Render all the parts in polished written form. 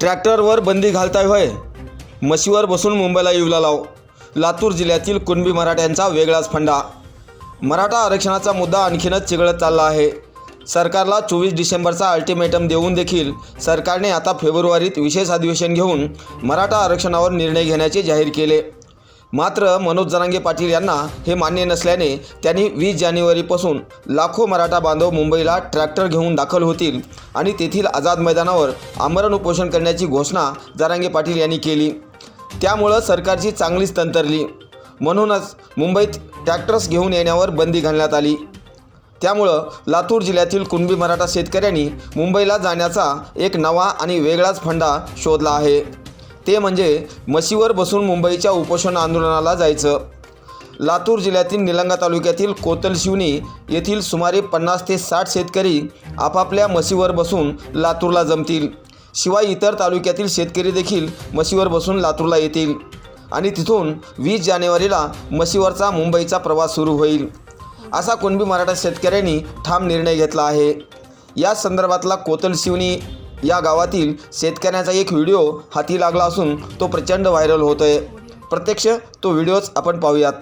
ट्रॅक्टरवर बंदी घालताय होय? म्हशीवर बसून मुंबईला येऊला लाव. लातूर जिल्ह्यातील कुणबी मराठ्यांचा वेगळाच फंडा. मराठा आरक्षणाचा मुद्दा आणखीनच चिघळत चालला आहे. सरकारला 24 डिसेंबरचा अल्टिमेटम देऊन देखील सरकारने आता फेब्रुवारीत विशेष अधिवेशन घेऊन मराठा आरक्षणावर निर्णय घेण्याचे जाहीर केले. मात्र मनोज जरांगे पाटील यांना हे मान्य नसल्याने त्यांनी 20 जानेवारीपासून लाखो मराठा बांधव मुंबईला ट्रॅक्टर घेऊन दाखल होतील आणि तेथील आझाद मैदानावर आमरण उपोषण करण्याची घोषणा जरांगे पाटील यांनी केली. त्यामुळं सरकारची चांगलीच तंतरली. म्हणूनच मुंबईत ट्रॅक्टर्स घेऊन येण्यावर बंदी घालण्यात आली. त्यामुळं लातूर जिल्ह्यातील कुणबी मराठा शेतकऱ्यांनी मुंबईला जाण्याचा एक नवा आणि वेगळाच फंडा शोधला आहे. ते म्हणजे म्हशीवर बसून मुंबईच्या उपोषण आंदोलनाला जायचं. लातूर जिल्ह्यातील निलंगा तालुक्यातील कोतलशिवनी येथील सुमारे 50 ते 60 शेतकरी आपापल्या म्हशीवर बसून लातूरला जमतील. शिवाय इतर तालुक्यातील शेतकरी देखील म्हशीवर बसून लातूरला येतील आणि तिथून 20 जानेवारीला म्हशीवरचा मुंबईचा प्रवास सुरू होईल, असा कुणबी मराठा शेतकऱ्यांनी ठाम निर्णय घेतला आहे. या संदर्भातला कोतलशिवनी या गावातील शेतकऱ्यांचा एक व्हिडिओ हाती लागला असून तो प्रचंड व्हायरल होतोय. प्रत्यक्ष तो व्हिडिओच आपण पाहूयात.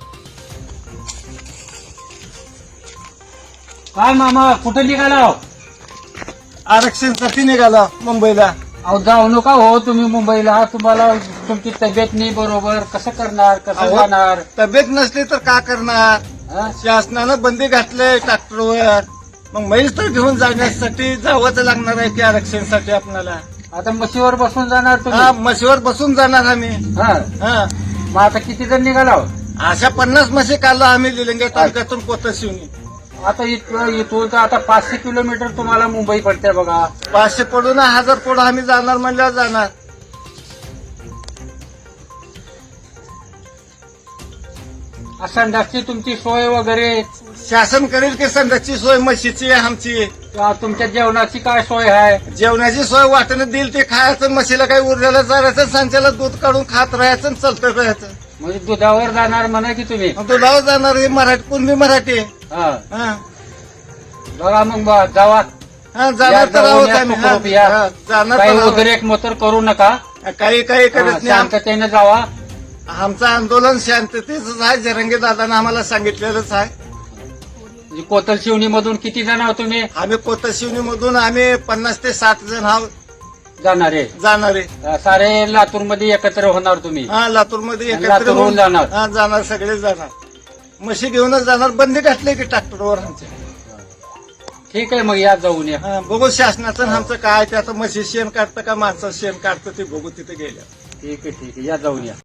काय मामा कुठे निघाला? आरक्षणासाठी निघाला मुंबईला. अहो जाऊ नका हो तुम्ही मुंबईला. तुम्हाला तुमची तब्येत नाही बरोबर. कसं करणार, कसं जाणार? तब्येत नसली तर का करणार? हा? शासनानं बंदी घातलंय ट्रॅक्टरवर. मग म्हैस तर घेऊन जाण्यासाठी जावंच लागणार आहे की आरक्षणासाठी आपल्याला. आता म्हशीवर बसून जाणार हा, तुम्ही? म्हशीवर बसून जाणार आम्ही. हा. हा, मग आता किती जण निघाला? अशा 50 म्हशी काढला आम्ही निलंगा तालुक्यातून कोतशिवनी. आता इथून तर आता 500 किलोमीटर तुम्हाला मुंबई पडते बघा. 500 पडून 1000 पडून आम्ही जाणार म्हणल्यावर जाणार. संडासची तुमची सोय वगैरे शासन करेल की संडासची सोय म्हशीची आमची. तुमच्या जेवणाची काय सोय आहे? जेवणाची सोय वाटणं देईल ते खायचं. म्हशीला काही उरलेलं चारायचं, संचाला दूध काढून खात राहायचं आणि चालतं राहायचं. म्हणजे दुधावर जाणार म्हणा की तुम्ही? दुधावर जाणार हे मराठी कुणबी मराठी. हा. हा, बघा मग जावा. हा, जाणार तर आहोत आम्ही. हा, हा, जाणार काही तर आहोत. उद्रेक मोतर करू नका. काही करत नाही. शांततेने जावा. आमचं आंदोलन शांततेच आहे. जरंगे दादानं आम्हाला सांगितलेलंच आहे. कोतलशिवनी मधून किती जण आहोत तुम्ही आम्ही कोतशिवनी मधून आम्ही 50 ते 60 जण आहोत जाणारे? जाणारे. सारे लातूर मध्ये एकत्र होणार तुम्ही? हा, लातूर मध्ये एकत्र लातूरहून होऊन जाणार? हा, जाणार. सगळे जाणार. म्हशी घेऊनच जाणार. बंदी घातली की ट्रॅक्टरवर आमच्या. ठीक आहे, मग या जाऊन या. हा, बघू शासनाचं आणि आमचं काय ते. आता म्हशी शेण काढतं का माणसं शेण काढतं ते बघू तिथे गेल्या. ठीक आहे, ठीक आहे, या जाऊन या.